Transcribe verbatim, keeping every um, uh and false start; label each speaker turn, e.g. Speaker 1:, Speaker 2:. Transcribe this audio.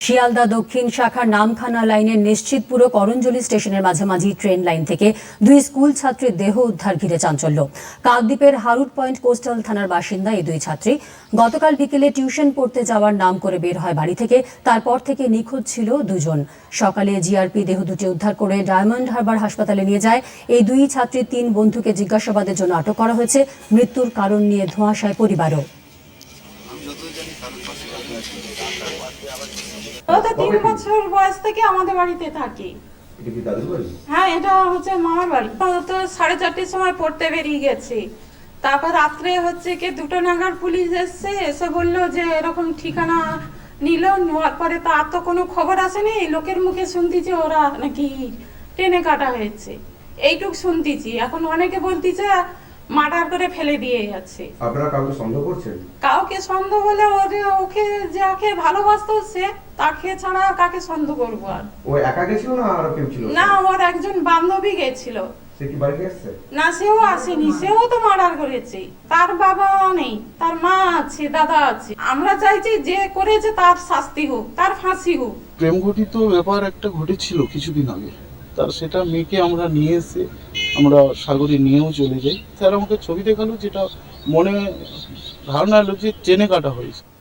Speaker 1: শিয়ালদা দক্ষিণ শাখার নামখানা লাইনের নিশ্চিতপুর করঞ্জলি স্টেশনের মাঝামাঝি ট্রেন লাইন থেকে দুই স্কুল ছাত্রীর দেহ উদ্ধার ঘিরে চাঞ্চল্য। কাকদ্বীপের হারুট পয়েন্ট কোস্টাল থানার বাসিন্দা এই দুই ছাত্রী গতকাল বিকেলে টিউশন পড়তে যাওয়ার নাম করে বের হয় বাড়ি থেকে। তারপর থেকে নিখোঁজ ছিল দুজন। সকালে জিআরপি দেহ দুটি উদ্ধার করে ডায়মন্ড হারবার হাসপাতালে নিয়ে যায়। এই দুই ছাত্রীর তিন বন্ধুকে জিজ্ঞাসাবাদের জন্য আটক করা হয়েছে। মৃত্যুর কারণ নিয়ে ধোঁয়াশায় পরিবারও।
Speaker 2: ও তো তিন বছর বয়স থেকে আমাদের বাড়িতে থাকে। হ্যাঁ, এটা হচ্ছে মামার বাড়ি। ও তো সাড়ে চারটের সময় পড়তে বেরিয়ে গেছে। তারপর রাত্রে হচ্ছে কি দুটো নাগাদ পুলিশ এসছে, এসে বললো যে এরকম ঠিকানা নিল। নেওয়ার পরে তো আর তো কোনো খবর আসেনি। লোকের মুখে শুনতেছি ওরা নাকি ট্রেনে কাটা হয়েছে, এইটুক শুনতেছি। এখন অনেকে বলতেছে মার্ডার করে ফেলে দিয়ে যাচ্ছে।
Speaker 3: আপনারা কাউকে সন্দেহ করছেন?
Speaker 2: কাউকে সন্দেহ বলে ওরে ওকে যাকে ভালোবাসতো সে, তাকে ছাড়া কাকে সন্দেহ করবো? আর
Speaker 3: ও একা গেছিল না আর কেউ ছিল?
Speaker 2: না, ওর একজন বান্ধবী গেছিল।
Speaker 3: সে কি বাড়ি আসছে?
Speaker 2: না, সেও আসেনি, সেও তো মার্ডার করেছে। তার বাবা নেই, তার মা আছে, দাদা আছে। আমরা চাইছি যে করেছে তার শাস্তি হোক, তার ফাঁসি হোক।
Speaker 4: প্রেম ঘটিত ব্যাপার একটা ঘটেছিল কিছুদিন আগে, তার সেটা মেয়েকে আমরা নিয়ে এসে আমরা সাগরে নিয়েও চলে যাই। স্যার আমাকে ছবি দেখালো, যেটা মনে ধারণা এলো যে ট্রেনে কাটা হয়েছে।